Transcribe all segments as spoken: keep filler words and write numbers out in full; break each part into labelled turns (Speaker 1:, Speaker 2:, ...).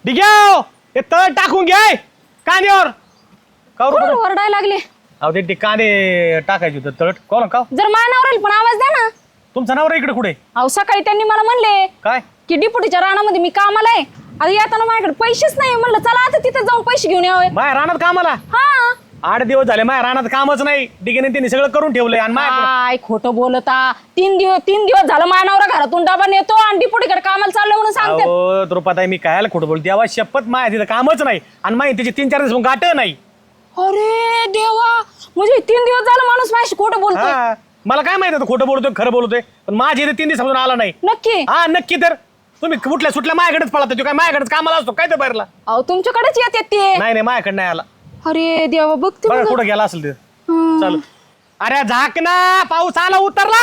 Speaker 1: डिग्याव ते तळ टाकून घ्याय कांद्यावर का
Speaker 2: कोण ओरडायला लागले?
Speaker 1: अहो ते कांदे टाकायचे होते तळट कोण का
Speaker 2: जर मानावर येईल पण आवाज द्या ना.
Speaker 1: तुमचा नवरा इकडे कुठे
Speaker 2: अहो सकाळी त्यांनी मला म्हणले
Speaker 1: काय
Speaker 2: की डिपुटीच्या रानामध्ये मी कामाला आहे. आता येताना माझ्याकडे पैसेच नाही. म्हणलं चला आता तिथे जाऊन पैसे घेऊन यावे.
Speaker 1: माया रानात कामाला
Speaker 2: हा
Speaker 1: आठ दिवस झाले माया रानात कामच नाही डिगेने त्यांनी सगळं करून ठेवलंय आणि माया
Speaker 2: काय खोटं बोलता. तीन दिवस तीन दिवस झालं मानावर घरातून डबा नेतो आणि डिपुटीकडे कामाला चाललो म्हणून सांगते.
Speaker 1: अहो द्रुपदाई मी कायला खोटं बोलते देवा शपथ माया तिथं कामच नाही आणि माहिती त्याचे तीन चार दिवस गाठ नाही.
Speaker 2: अरे देवा म्हणजे तीन दिवस झालं माणूस माझ्याशी खोटं बोलतोय.
Speaker 1: हा, मला काय माहिती होतं खोटं बोलतोय खरं बोलतोय पण माझ्या इथे तीन दिवसापासून आला नाही.
Speaker 2: नक्की?
Speaker 1: हा नक्की. तर तुम्ही कुठल्या सुटल्या माझ्याकडेच पळत तो काय माझ्याकडेच कामाला असतो काय तर बाहेरला
Speaker 2: अहो तुमच्याकडेच येते ते.
Speaker 1: नाही नाही माझ्याकडे नाही आला.
Speaker 2: अरे देवा बघते
Speaker 1: बघा
Speaker 2: मग.
Speaker 1: कुठं गेला असेल ते
Speaker 2: हं.
Speaker 1: चालू. अरे झाक ना पाऊस आला उतरला.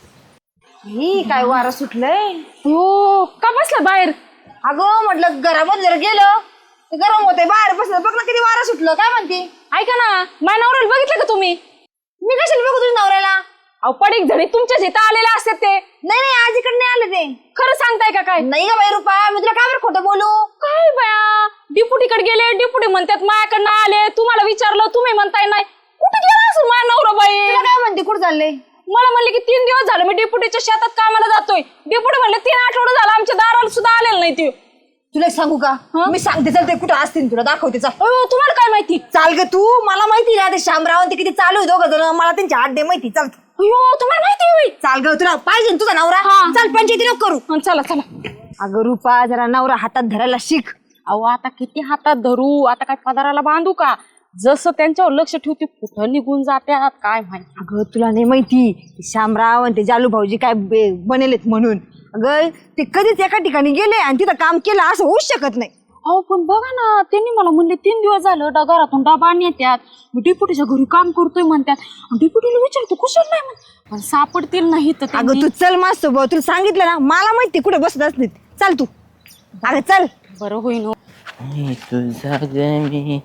Speaker 3: ही काय वारा सुटलंय.
Speaker 2: हो का बसला बाहेर?
Speaker 3: अगं म्हटलं घरामध्ये जर गेलं तर गरम होते बाहेर बसलं बघ ना किती वारा सुटलं. काय म्हणते
Speaker 2: ऐका ना माझ्या नवऱ्याला बघितलं का तुम्ही?
Speaker 3: मी कशाला बघू तुझ्या नवऱ्याला.
Speaker 2: अहो पडीक झडी तुमच्याच इथं आलेले असतात ते.
Speaker 3: नाही नाही आज इकडे नाही आले ते.
Speaker 2: खरं सांगताय का काय?
Speaker 3: नाही का बाई रुपा मी तुला काय बरं खोटं बोलू.
Speaker 2: काय बया डिपुटीकडे गेले डिपुटी म्हणतात माझ्याकडनं आले. तुम्हाला विचारलं तुम्ही म्हणताय नाही. कुठे गेला असं माझा नवरा बाई?
Speaker 3: तुला काय म्हणते कुठं चालले.
Speaker 2: मला म्हणले की तीन दिवस झाले मी डिपुटीच्या शेतात कामाला जातोय. डिपुटी म्हणले तीन आठवडे झाला आमच्या दाराला सुद्धा आलेलं नाही ते.
Speaker 3: तुला एक सांगू का मी सांगते चल ते कुठं असतील तुला दाखवते चाल.
Speaker 2: अहो तुम्हाला काय माहिती?
Speaker 3: चाल ग तू मला माहिती ना ते शामराव ते किती चालू आहे दोघं जण मला त्यांची आड्डे माहिती. चाल
Speaker 2: अयो तुम्हाला माहिती होय?
Speaker 3: चाल ग तुला पाहिजे ना तुझा नवरा.
Speaker 2: हा.
Speaker 3: चाल पंचायती नको करू.
Speaker 2: हं, चला चला.
Speaker 3: अगं रुपा जरा नवरा हातात धरायला शिक.
Speaker 2: अहो आता किती हातात धरू आता काय पदाराला बांधू का? जसं त्यांच्यावर लक्ष ठेवते कुठं निघून जात्यात काय माहिती.
Speaker 3: अगं तुला नाही माहिती ते शामराव आणि ते जालू भाऊजी काय बे- बनेलेत म्हणून. अगं ते कधीच एका ठिकाणी गेले आणि तिथं काम केलं असं होऊच शकत नाही.
Speaker 2: अहो पण बघा ना त्यांनी मला म्हणले तीन दिवस झालं ड- घरातून डबा नेत्यात. मी डिपुटीच्या घरी काम करतोय म्हणतात. डिपुटीला विचारतो कुशल नाही म्हण पण सापडतील नाही तर
Speaker 3: अगं
Speaker 2: त्यांनी.
Speaker 3: तू चल मस्त भाऊ तुला सांगितलं ना मला माहिती कुठे बसत असते. चल तू अगं चल.
Speaker 2: बरं होईन हो.
Speaker 4: मी तुझा गमी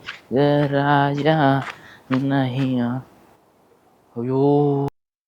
Speaker 4: राजा नाही अयो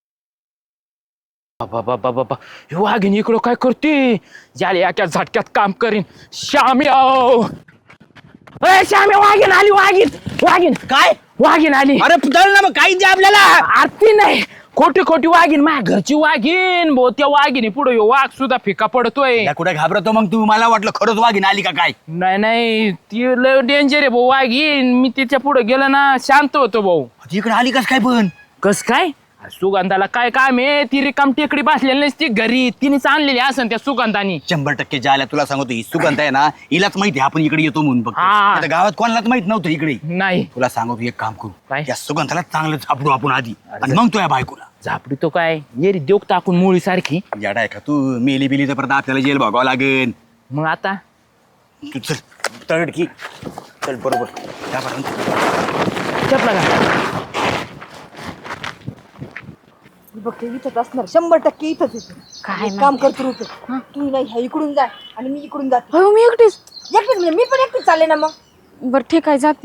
Speaker 4: बाबा बाबा बाबा ह्यो वाघिणी इकडं काय करते ज्याला एका झटक्यात काम करीन. श्याम्या अय श्याम्या वाघीन आली वाघीन वाघीन काय वाघीन आली.
Speaker 5: अरे पुतळ ना मग काही द्या आपल्याला.
Speaker 4: आरती नाही खोटी खोटी वाघीन माझ्या घरची वाघीन भाऊ त्या वाघिणी पुढे वाघ सुद्धा फिका पडतोय.
Speaker 5: या कुठे घाबरतो मग तू मला वाटलं खरंच वाघीन आली का काय.
Speaker 4: नाही नाही ती लय डेंजर आहे भाऊ वाघीन. मी तिच्या पुढे गेलो ना शांत होतो भाऊ.
Speaker 5: इकडे आली कस काय पण.
Speaker 4: कस काय सुगंधाला काय काम आहे ती रिकाम टेकडी बसलेली नसती घरी तिनेच आणलेली असन त्या सुगंधानी.
Speaker 5: शंभर टक्के जायला तुला सांगतो ही सुगंध आहे ना हिलाच माहिती आपण इकडे येतो म्हणून बघ.
Speaker 4: हा.
Speaker 5: आता गावात कोणालाच माहित नव्हतं इकडे.
Speaker 4: नाही
Speaker 5: तुला सांगतो एक काम करू
Speaker 4: काय?
Speaker 5: या सुगंधाला चांगलं झापडू आपण आधी आणि मग तो या बायकोला.
Speaker 4: झापडी तो काय येरी देऊ टाकून मुळी सारखी.
Speaker 5: याडा आहे का तू मेली बिली तर परत आपल्याला जेल भोगावं लागेल.
Speaker 4: मग आता
Speaker 5: तू चल तळड की चल बरोबर त्यापर्यंत.
Speaker 4: चपला का
Speaker 3: बघते इथंच असणार शंभर टक्के इथंच येते.
Speaker 2: काय
Speaker 3: एक काम करतो रुपये तू नाही ह्या इकडून जा आणि मी इकडून जाते.
Speaker 2: हो मी एकटीच.
Speaker 3: एकटीच म्हणजे मी पण एकटीच चालले ना मग.
Speaker 2: बरं ठीक आहे जाते.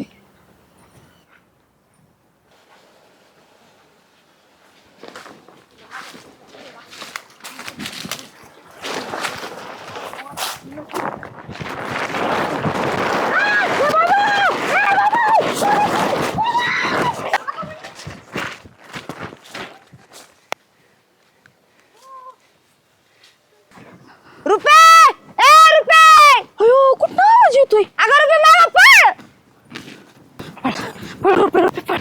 Speaker 3: रुपे ए रुपे
Speaker 2: अयो कुठं आवाज येतोय?
Speaker 3: अगं रुपे मागं पळ.
Speaker 2: पळ रुपये रुपये पळ.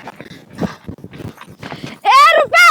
Speaker 3: ए रुपे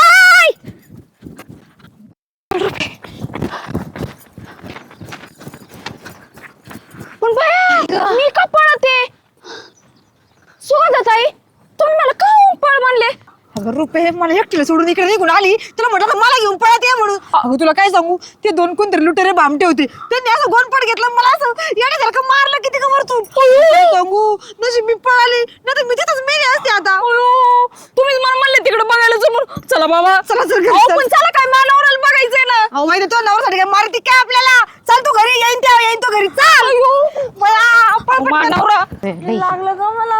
Speaker 2: पण बाया मी का पळते? सुगंधाताई तुम्ही मला का पळ म्हणले?
Speaker 3: अगं रुपे मला एकटीला सोडून इकडे निघून आली तुला म्हटलं मला घेऊन पळत ये म्हणून. अगं तुला काय सांगू ते दोन कोणतरी लुटेरे भामटे होते त्यांनी असं गोनपट घेतलं मला असं येण्यासारखं मारलं किती का वरतून. काय सांगू नशीब मी पळाली नाही तर मी तिथंच मेली असते आता.
Speaker 2: तुम्ही मला म्हणले तिकडे बघायला जमून चला बाबा.
Speaker 3: चला चल घरी
Speaker 2: अहो,
Speaker 3: चल.
Speaker 2: पण चला काय मानवराला बघायचंय ना.
Speaker 3: अहो माहिती तो नवऱ्यासाठी काय मारती काय आपल्याला. चल तू घरी येईन तेव्हा येईन तो घरी चाल. बया, पळ पटकन.
Speaker 2: मानवरा
Speaker 3: लागलं का मला.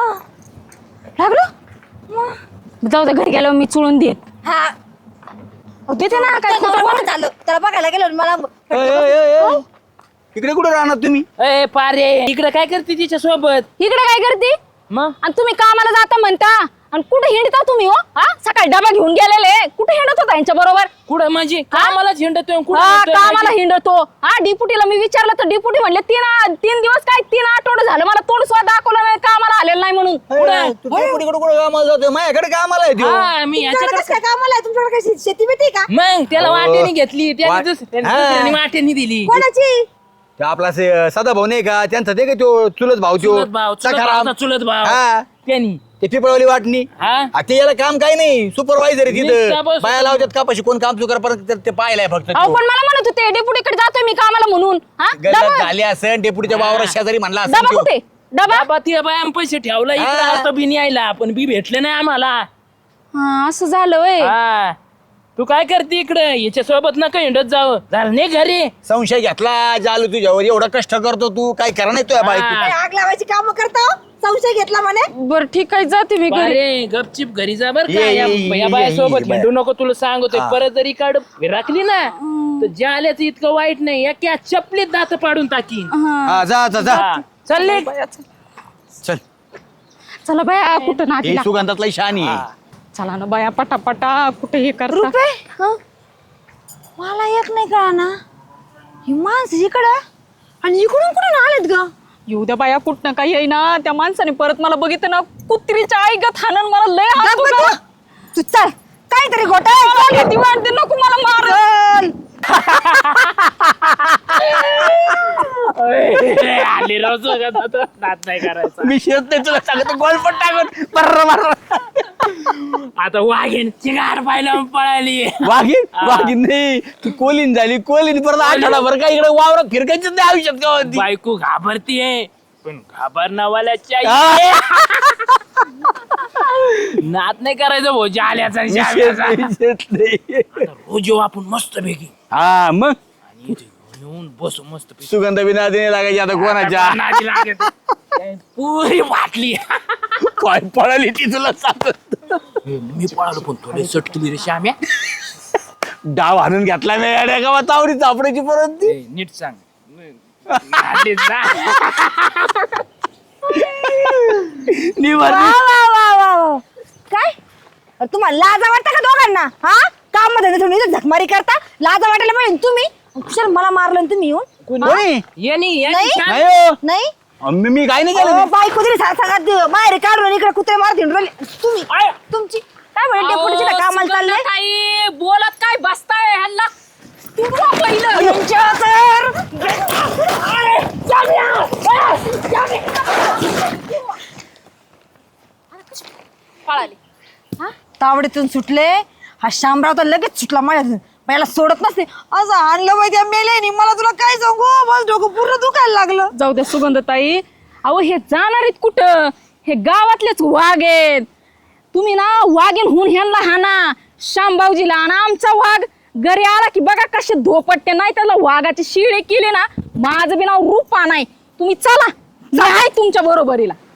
Speaker 2: लागलं जाऊ दे घरी गेल्यावर मी चुळून देत.
Speaker 3: हा
Speaker 2: देते ना काय खोटं बोल.
Speaker 3: झालं त्याला बघायला गेलो मला
Speaker 5: इकडे कुठे राहणार तुम्ही?
Speaker 4: ए पारे इकडे काय करते तिच्या सोबत?
Speaker 2: इकडे काय करते
Speaker 4: मग
Speaker 2: आणि तुम्ही कामाला जाता म्हणता आणि कुठे हिंडता तुम्ही हो? हा सकाळी डबा घेऊन गेलेले कुठे हिंडत होता यांच्या बरोबर?
Speaker 4: कुठं म्हणजे कामालाच हिंडतोय कुठं
Speaker 2: हा
Speaker 4: हिंडतोय
Speaker 2: कामाला
Speaker 4: म्हणजे?
Speaker 2: हिंडतो. हा डिपुटीला मी विचारलं तर डिपुटी म्हणले तीन आ- तीन दिवस काय तीन आठवडे झालं मला तोंड सुद्धा दाखवलं नाही कामाला आलेलं नाही म्हणून.
Speaker 5: तू कुठे कुठे कामाला जातोय? माझ्याकडे कामाला आहे त्यो.
Speaker 4: हा मी
Speaker 3: तुमच्याकडे
Speaker 4: याच्याकडे
Speaker 3: कसं काय कामाला आहे? तुमच्याकडे काय शेती बिती का?
Speaker 4: मग त्याला
Speaker 5: अहो,
Speaker 4: वाटेने घेतली त्याने
Speaker 5: वाट-
Speaker 4: दुस- त्याने
Speaker 5: हा.
Speaker 4: दुसऱ्याने वाटेने दिली.
Speaker 3: कोणाची?
Speaker 5: तो आपला से- सदा भाऊ नाही का त्यांचा ते का तो चुलत भाऊ त्यो
Speaker 4: चुलत भाव चुलत
Speaker 5: सखाराम.
Speaker 4: भावाचा चुलत भाव
Speaker 5: हा.
Speaker 4: त्यांनी
Speaker 5: ते पिपळवली वाटणी
Speaker 4: हा
Speaker 5: आ, ते याला काम काही नाही सुपरवायझर आहे
Speaker 4: नुसता
Speaker 5: तिथं
Speaker 4: बस-
Speaker 5: बाया लावतात कापाशी कोण काम चुकार परत ते पाहिलाय फक्त
Speaker 2: अहो
Speaker 5: तो.
Speaker 2: पण मला म्हणत होते डिपुटीकडे जातोय मी कामाला म्हणून. हा
Speaker 5: गल्लत
Speaker 2: डबा
Speaker 5: झाली असेल डेपुटीच्या वावरात शेजारी म्हणला असेल
Speaker 2: डबा
Speaker 5: त्यो.
Speaker 2: कुठे डबा?
Speaker 4: बाबा ती बाया पैसे ठेवला इकडे
Speaker 5: हा.
Speaker 4: आता बी यायला पण बी भेटले नाही आम्हाला.
Speaker 2: हा असं झालं वय.
Speaker 4: हा तू काय करते इकडे याच्या सोबत नका हिंडत जावं झालं नाही घरी.
Speaker 5: संशय घेतला जालू तुझ्यावर एवढं कष्ट करतो तू काय करा नाही तुझ्या बायको
Speaker 4: हा.
Speaker 3: काय आग लावायची काम करता हो? संशय घेतला म्हणे.
Speaker 2: बर ठीक आहे जाते मी घरी.
Speaker 4: अरे गपचिप घरी जा बर का
Speaker 5: ये,
Speaker 4: या
Speaker 5: ये,
Speaker 4: या
Speaker 5: ये,
Speaker 4: बायासोबत
Speaker 5: ये, ये,
Speaker 4: हिंडू नको तुला सांगतोय
Speaker 5: हा.
Speaker 4: परत जरी काढ राखली ना तर जाल्याचं इतकं वाईट नाही या चपलीत दात पाडून टाकीन.
Speaker 5: हा, जा जा जा
Speaker 4: हा. चालले
Speaker 5: चल
Speaker 2: चला बाया कुठं
Speaker 5: हे
Speaker 2: नाटीला.
Speaker 5: सुगंधातला शानी आहे.
Speaker 2: चला ना बाया पटापटा कुठे हे करता.
Speaker 3: रुपे हं? मला एक नाही कळा ना ही माणसं इकडं आणि इकडून कुठून आलेत ग?
Speaker 2: येऊ द्या बाया कुठनं काही येईना त्या माणसाने परत मला बघितलं ना कुत्रीच्या आई गत हाणन मला लय हात
Speaker 3: गप्प तू. तू चल काहीतरी घोटाळा
Speaker 2: ती वाटते नको मला मार.
Speaker 4: आली राव सगळं आता नाद नाही करायचा.
Speaker 5: मी शेत नाही तुला सांगतो गोल पण टाकून बर्र बर्र
Speaker 4: आता वाघेन चिगार पाहिलं पळाली.
Speaker 5: वाघीन वाघीन नाही ती कोलीन झाली कोलीन परत आठवडाभर काय इकडे वावरात फिरकायचं नाही आयुष्यात का होती.
Speaker 4: बायको घाबरतीये पण घाबरणावाल्याच्या
Speaker 5: हा.
Speaker 4: नाद नाही करायचं भाऊ जाल्याचा आणि
Speaker 5: मी शेत
Speaker 4: श्याम्याचा.
Speaker 5: नाही, शेत नाही.
Speaker 4: रोज येऊ आपण मस्त पैकी
Speaker 5: हा मग
Speaker 4: आणि इथे येऊन बसू मस्त पैकी.
Speaker 5: सुगंध बिना देणे लागायची आता कोणाच्या
Speaker 4: नादी लागत. पुरी वाटली.
Speaker 5: काय पळाली ती तुला सांगत
Speaker 4: मी पळालो पण थोडे सटकली रे श्याम्या.
Speaker 5: डाव आणून घेतला मी अड्या गावात आवडी चापडायची परत ती
Speaker 4: ए, नीट सांग नादीत ना.
Speaker 5: निवार
Speaker 3: वा वा वा वा वा. काय अरे तुम्हाला लाजा वाटतं का दोघांना? हा काम मध्ये तुम्ही इथं झकमारी करता लाजा वाटायला पाहिजे तुम्ही. कुशाल मला मारलं आणि तुम्ही येऊन
Speaker 5: कोणी
Speaker 4: यांनी यांनी
Speaker 3: नाही?
Speaker 4: श्याम-
Speaker 5: नाही हो.
Speaker 3: नाही
Speaker 5: मी मी काय नाही केलं
Speaker 3: अहो,
Speaker 5: मी.
Speaker 3: बायको तरी सांगत बाहेर काढून इकडे कुत्रे मारत हिंडून राहिले. तुम्ही
Speaker 4: आय.
Speaker 3: तुमची काय म्हणे डेपुटीची
Speaker 2: अहो,
Speaker 3: कामाला
Speaker 2: सुगंधा
Speaker 3: चालले
Speaker 2: ताई, बोलत काय बसताय ह्यांना तुम्हाला पहिलं
Speaker 3: तुमच्या तर
Speaker 2: पळाली.
Speaker 3: तावडीतून सुटले हा शामराव तर लगेच सुटला माझ्यातून पहिला सोडत नसते असं आणलं पाहिजे त्या मेल्यानी मला तुला काय सांगू माझं डोकं पूर्ण दुखायला लागलं.
Speaker 2: जाऊ द्या सुगंधताई. अहो हे जाणार आहेत कुठं? हे गावातलेच वाघ आहेत. तुम्ही ना वाघीन होऊन ह्यांना हाना शामबावजीला आणि आमचा वाघ घरी आला की बघा कसे धोपटते नाही त्याला वाघाची शिळे केले ना माझं बी नाव रूपा नाही. तुम्ही चला मी आहे तुमच्या बरोबरीला.